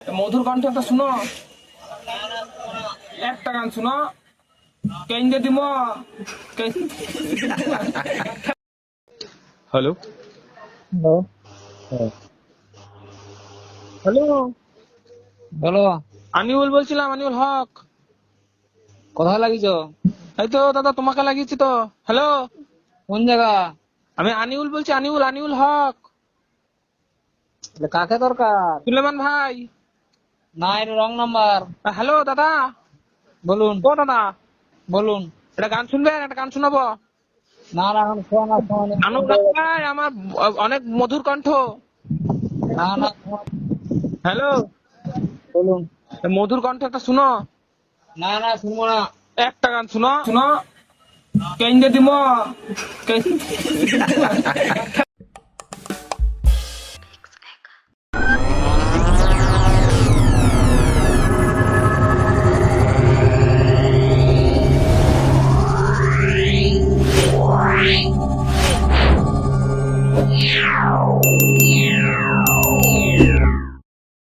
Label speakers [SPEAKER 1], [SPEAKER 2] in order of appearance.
[SPEAKER 1] মধুর কণ্ঠ একটা শুনো, একটা গান শুনো, কেন্দ্রে দিব। Hello
[SPEAKER 2] hello.
[SPEAKER 1] হ্যালো,
[SPEAKER 2] বলো,
[SPEAKER 1] আনিউল বলছিলাম, আনিউল হক।
[SPEAKER 2] কোথায় লাগিয়েছ?
[SPEAKER 1] এই তো দাদা তোমাকে লাগিয়েছি তো। হ্যালো,
[SPEAKER 2] কোন জায়গা?
[SPEAKER 1] আমি আনিউল বলছি, আনিউল, আনিউল হক।
[SPEAKER 2] কাকে দরকার?
[SPEAKER 1] সুলেমান ভাই।
[SPEAKER 2] না, এটা রং নাম্বার।
[SPEAKER 1] হ্যালো দাদা,
[SPEAKER 2] বলুন
[SPEAKER 1] ও দাদা,
[SPEAKER 2] বলুন।
[SPEAKER 1] একটা গান শুনবেন? একটা গান শোনাবো।
[SPEAKER 2] না না, এখন শোনা শোনা
[SPEAKER 1] আনুল ভাই, আমার অনেক মধুর কণ্ঠ।
[SPEAKER 2] না না,
[SPEAKER 1] হ্যালো,
[SPEAKER 2] বলুন।
[SPEAKER 1] মধুর কণ্ঠ একটা শুনো,
[SPEAKER 2] না না, শুনবো না।
[SPEAKER 1] একটা গান শুনো, শুনো, কেন্দ্রে দিব।
[SPEAKER 3] Yeah.